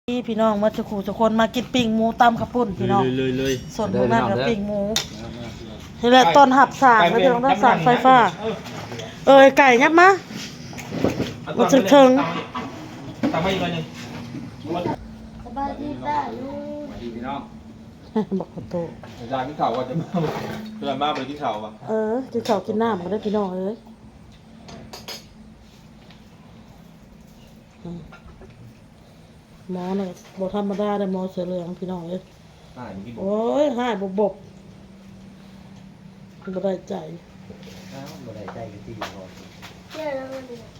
พี่น้องมาจะขู่จะคนมากินปิ้งหมูตำข้าวปุ้นพี่น้องเลยส่วนพวกนั้นกับปิ้งหมูนี่แหละต้นหับสากแล้วพี่น้องต้องสากไฟฟ้าไก่ยับมามาถึงตามมาอีกหน่อยนึงสบายดีป้าลูกมาดีพี่น้องบอกประตูอาจารย์กินข่าวว่าจะมาเพื่อนมาไปกินข่าวป่ะกินข้าวกินน้ำมาได้พี่น้องหมอเนี่ยบอกธรรมดาได้หมอเสือเหลืองพี่น้องโอ้ยหายบบบ่ได้ใจเจ้าแล้วมัน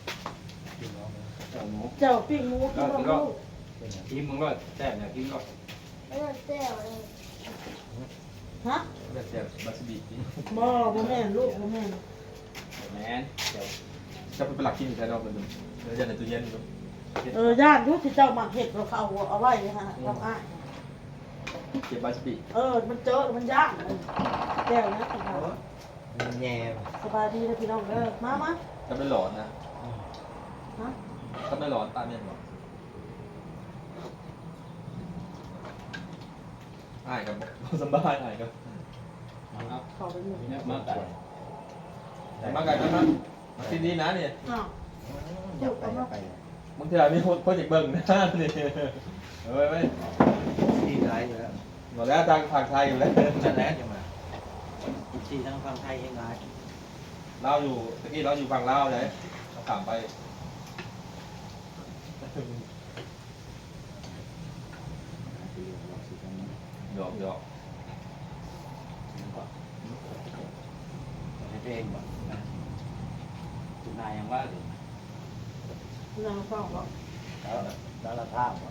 เนี่ยเจ้าปิ้งหมูกินลูกกินมึงก็แซ่บเนี่ยกินก็แล้วมันเจ้าเลยฮะแซ่บบัสบีกินบ่แม่ลูกบ่แม่แมนเดี๋ยวจะเป็นหลักกินใช่ไหมเราเป็นเดี๋ยวในตู้เย็นดูญาติยุที่เจ้าหมักเห็ดเราเขาเอาไว้ฮะทำอ้ายเก็บบัสบีมันเจอมันยากแก้วนะพี่น้องแย่สบายดีนะพี่น้องมาจะไม่หลอนนะฮะถ้าไม่หลอนตามเนี่ยหรอง่ายกับสบายง่ายกับขอไปหมดเนี่ยมากไก่มากไก่ก็มาที่นี่นะเนี่ยอยู่กันเนาะบางทีมีคนอยากเบิ่งนะนี่ไม่ที่ร้ายอยู่แล้วหมดแล้วทางฝั่งไทยอยู่แล้วจะแล้วจะมาที่ทั้งฟังไทยเองร้ายเราอยู่ตะกี้เราอยู่ฝั่งลาวเลยเราข้ามไปหยอกให้ตัวเองบอกนะคุณนายยังว่าอยู่นางฟังบอกแล้วเราท่าบอก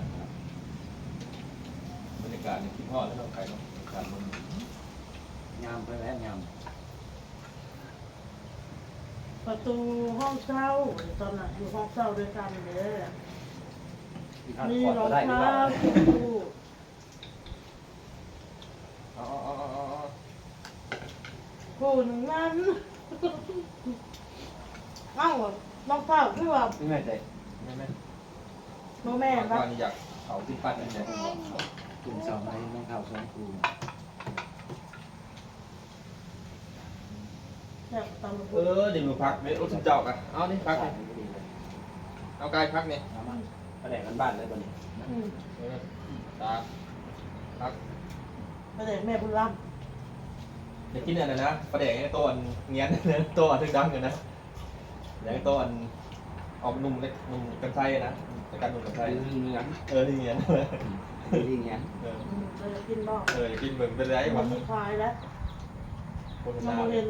บรรยากาศในคิดฮอดแล้วเราไกลเนาะการมันงามไปแล้วงามประตูห้องเช่าตอนนั้นอยู่ห้องเช่าด้วยกันเลยมีรองเท้าคู่คู่หนึ่งนั้นเอ้ารองเท้าคือว่าไม่แม่ใจโมแม่ปะก่อนอยากเขาที่ปั้นนี่เนี่ยคุณสาวไทยน้องข่าวสองครูแบบตำรวจดิมือพักไม่รู้สึกเจ้ากันเอานี่พักนี่เอากายพักนี่ประเด็นบ้านเลยบนนี้ตาพักไปเด็กแม่บุญร่อยากกินอะไรนะประเดี๋ยวตัวเงี้ยตัวถึงดังอยู่นะอย่างตัวออกนุ่มเล็กนุ่มกันไส้นะแต่การนุ่มกันไส้เนื้อที่เงี้ยที่เงี้ยเราจะกินบ้างอยากกินเหมือนเป็นไรมัวะนคลายแล้วโฆษมัณานเห็น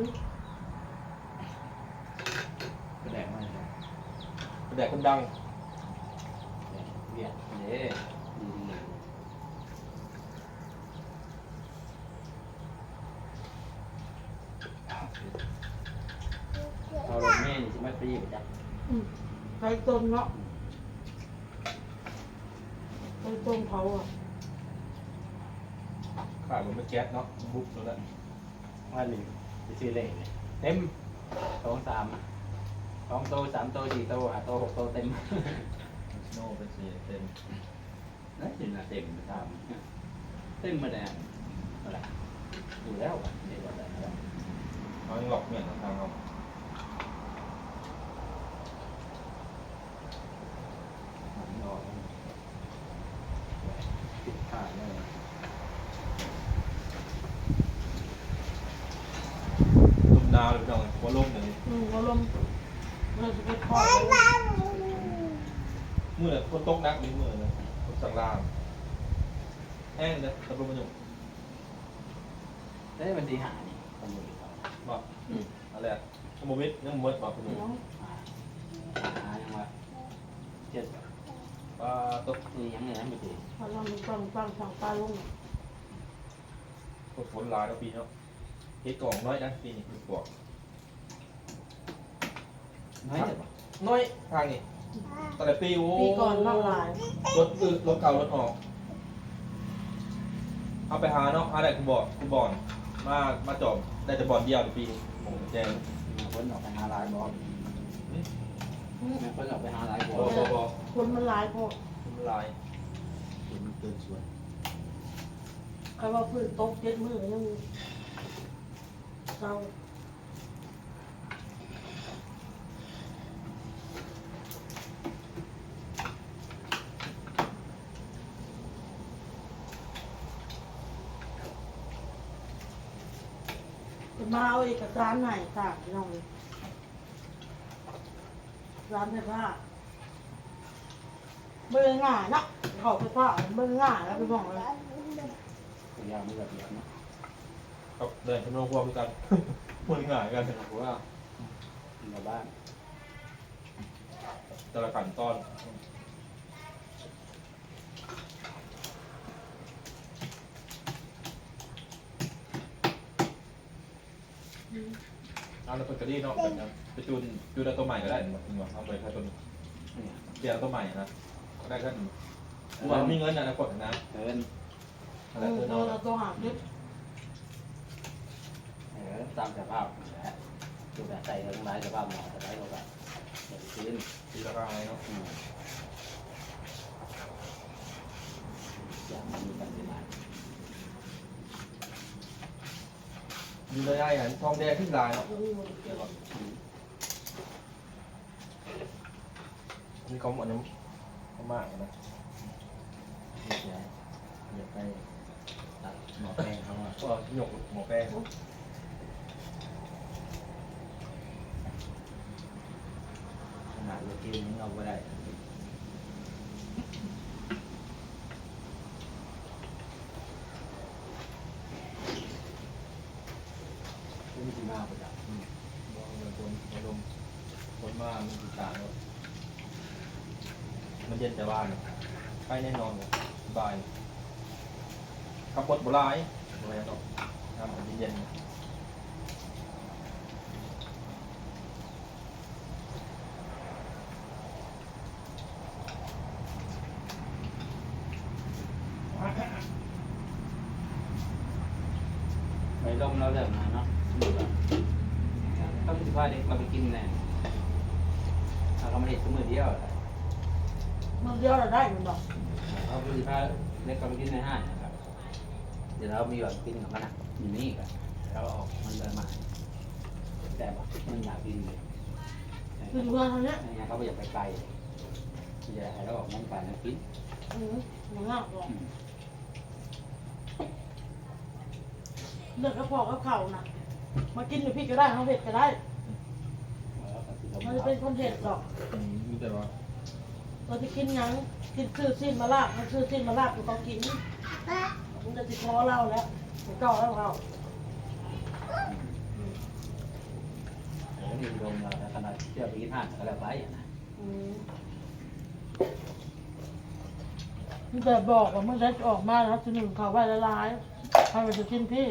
ประเด็นมาประเดี๋ยวคนดังเวียดเด้เราลงแม่นี่จะไม่ปีไปจ้ะไข่ต้มเนาะไข่ต้มเผาอ่ะขาดมันไม่แก๊สเนาะบุ๊บแล้วว่าหนึ่งไปซื้อเลขเลยเต็ม2 3 2 โต 3 โต 4 โต 5 โต 6 โตเต็มโน่เป็นสีเต็มนั่นเห็นนะเต็มตามเต็มมาแดงอะไรอยู่แล้วเดี๋ยวอะไรนะเขายังหลอกเมียนทางเรานอนติดขาดเลยลุ่มนาวเลยพี่น้องว่าล่มอย่างนี้เราลมเราจะไปทอดมือคนตกนักนี่มือเลยคนสั่งลามแห้งเลยตะลุมมันอยู่ได้มันดีหานี่ตำรวจเขาบอกอะไรอะโมมิดยังมดบอกคุณลุงหายังว่าเจ็ดตกนี่ยังไงนะไม่ดีพอเราฟังสั่งปลาลงฝนลายแล้วปีเนาะเฮ็ดกล่องน้อยนะปีนี้ปวกน้อยเจ็ดป่ะน้อยทางนี้ตอนแต่ปีโอ้ปีก่อนนอกลายรถรถเก่ารถออกเอาไปหาเนาะหาได้กูบอกมาจอบได้แต่บอลเดียวในปีโอ้แจ้งคนออกไปหาลายบอลคนออกไปหาลายบอลบอคนมันหลายพอลายเห็นเกินส่วนใครว่าพื้นตก7 มื้อยังเศร้ามาเอาเอกสารไหนค่ะพี่น้องเลยร้านไฟฟ้าเบื่อง่ายนะเขาไฟฟ้าเบื่อง่ายแล้วไปบอกเลยตัวอย่างไม่แบบเดียวนะครับเดินชมรมพวกกันมือง่ายกันเพราะว่าในบ้านแต่ละขั้นตอนเอาแล้วตัวนี้เนาะแบบนั้นไปจูนตัวใหม่ก็ได้หมดเอาไปแค่ตัวนี้เนี่ยเปลี่ยนตัวใหม่นะก็ได้แค่ว่ามีเงินนะกดนะเกินอะไรตัวน้องเราตัวหาคิดตามสภาพแหละดูแต่ใส่ทั้งหลายสภาพหมอสบายเราแบบเดี๋ยวซื้อตีราคาอะไรเนาะอย่างมันมีการเป็นมามีเลยไอ้ทองแดงขึ้นลายเนาะนี่เขาหมดน้ำเขามากนะอยากไปตัดหมอแป้งเขาอ่ะก็หยกหมอแป้งขนาดเรากินนี้เอาไม่ได้ไม่มีที่มาประจับบอกเลยคนมามันติดตามเนาะมันเย็นแต่ว่าใกล้แน่นอนเลยสบายขับรถโบราณอะไรต่อน้ำมันเย็นไปลมเราเริ่มมาเนาะต้องคิดว่าเด็กเราไปกินแน่เราไม่ได้ซื้อมือเดียวมันเดียวเราได้มันบอกเราไปพาเล็กเราไปกินในห้างนะครับเดี๋ยวเรามีแบบกินกับมันอ่ะอยู่นี่กันเราออกมันเดินมาแต่บอกมันอยากกินเลยคือเพื่อนทางเนี้ยไม่งั้นเขาไม่อยากไปไกลจะให้เราออกมันไปนะกินมันง่ายหรอกเลือกกระเพาะกับเข่าน่ะมากินอยู่พี่ก็ได้เขาเผ็ดก็ได้มันจะเป็นคนเผ็ดหรอกมีแต่ว่าเราจะกินยังกินซื้อสิ้นมาลาบมันซื้อสิ้นมาลาบกูต้องกินมันจะติดคอเราแล้วเก่าแล้วเราแล้วมีลมเราขนาดเชื่อไปกินห้างก็แล้วไปนะมันแต่บอกว่าเมื่อไรจะออกมาแล้วจะหนึ่งเขาไว้ละลายใครมันจะกินพี่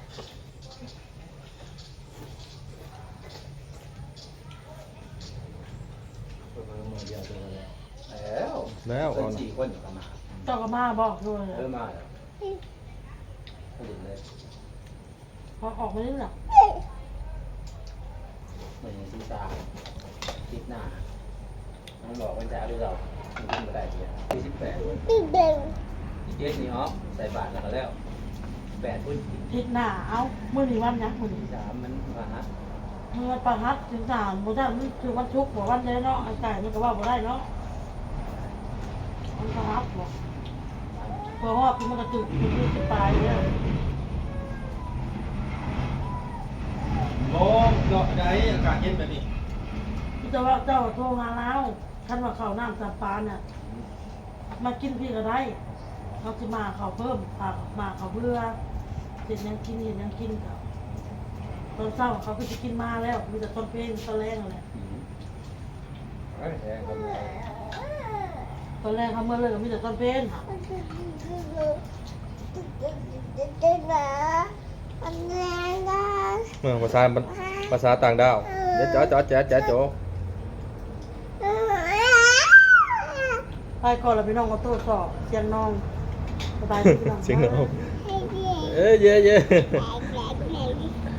มือเดียวตัวแล้วแล้วเป็น4 คนอยู่ประมาณเจ้าก็มาบอกด้วยมาแล้วผลิตเลยพอออกมานี่แหละเหมือนซีตาคิดหน้ามันบอกมันจะเอาด้วยเรามันกินไม่ได้เลยที่18 พี่เบลเจ็ดนี่อ๋อใส่บาทแล้วก็แล้ว8 พุ่นทิศหน้าเอาเมื่อนี้วันยังมื่อนี้ 3มันมาฮะเมื่อประหัดถึงสามโมได้มันคือวันชุกร์บอกวันเด้เนาะไอ้ไก่มันก็ว่าบ่ได้เนาะมันประหัดบอกเพราะว่าพี่มันกระตุกมันจะตายเลยโอ้เกาะไหนอากาศเย็นแบบนี้พี่จะว่าเจ้าโทรหาเราท่านว่าเขาน้ำสับปานน่ะมากินพี่ก็ได้เขาจะมาเขาเพิ่มผักมาเขาเบื่อเห็นยังกินเห็นยังกินกับตอนเช้าเขาก็จะกินมาแล้วมีแต่ต้นเพลงต้นแรงอะไรแพงครับต้นแรงเขาเมื่อเลยก็มีแต่ต้นเพลงค่ะเมืองภาษาต่างดาวเดี๋ยวจ๋อแจ๊โจไปก่อนแล้วพี่น้องก็ตรวจสอบเสียงน้องสบายดีพี่น้องเสียงน้องเอ้ยเย่